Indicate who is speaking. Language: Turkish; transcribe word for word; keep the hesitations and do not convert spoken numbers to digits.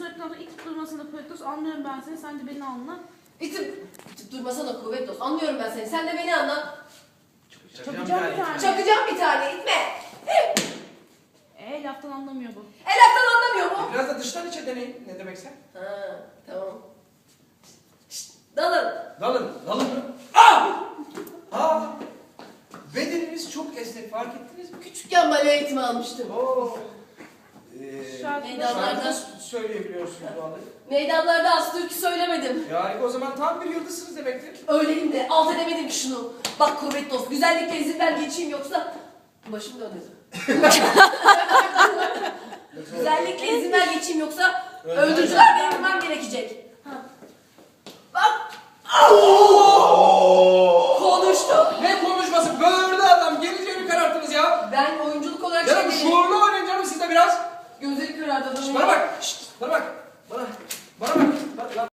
Speaker 1: söyledikten sonra itip durmasana Kuvvetlos. Anlıyorum ben seni. Sen de beni anla.
Speaker 2: İtip, itip durmasana kuvvet olsun. Anlıyorum ben seni. Sen de beni anla.
Speaker 1: Çakacağım bir tane.
Speaker 2: Çakacağım bir tane. İtme.
Speaker 1: Eee laftan anlamıyor bu.
Speaker 2: El laftan anlamıyor mu?
Speaker 3: Biraz da dıştan içe deneyin. Ne demekse?
Speaker 2: Ha, tamam. Şşt, dalın.
Speaker 3: Dalın. Dalın mı? Aa! Aa! Bedeniniz çok esnek. Fark ettiniz mi?
Speaker 2: Küçükken bale eğitimi almıştım.
Speaker 3: Oo. Ee,
Speaker 1: Şarkı-
Speaker 2: Meydanlarda-
Speaker 3: şarkı söyleyebiliyorsunuz vallahi.
Speaker 2: Meydanlarda az türkü söylemedim.
Speaker 3: Yani o zaman tam bir yıldızsınız demektir.
Speaker 2: Öyleyim de alt edemedim ki şunu. Bak kuvvet dost, güzellikle izin ver geçeyim yoksa başım dönüyor. Güzellikle izin ver geçeyim yoksa öldürücüler beni vurmam gerekecek. Ha. Bak. Konuştu.
Speaker 3: Ne konuşması? Böğürdü adam. Geleceğini kararttınız ya.
Speaker 2: Ben oyunculuk olarak
Speaker 3: Ya
Speaker 2: şey
Speaker 3: bu
Speaker 2: dedim.
Speaker 3: şuurlu oynayın canım siz de biraz.
Speaker 2: Gözleri karardı adamın.
Speaker 3: Şşt, bana bak. Şşt, bana bak. Bana.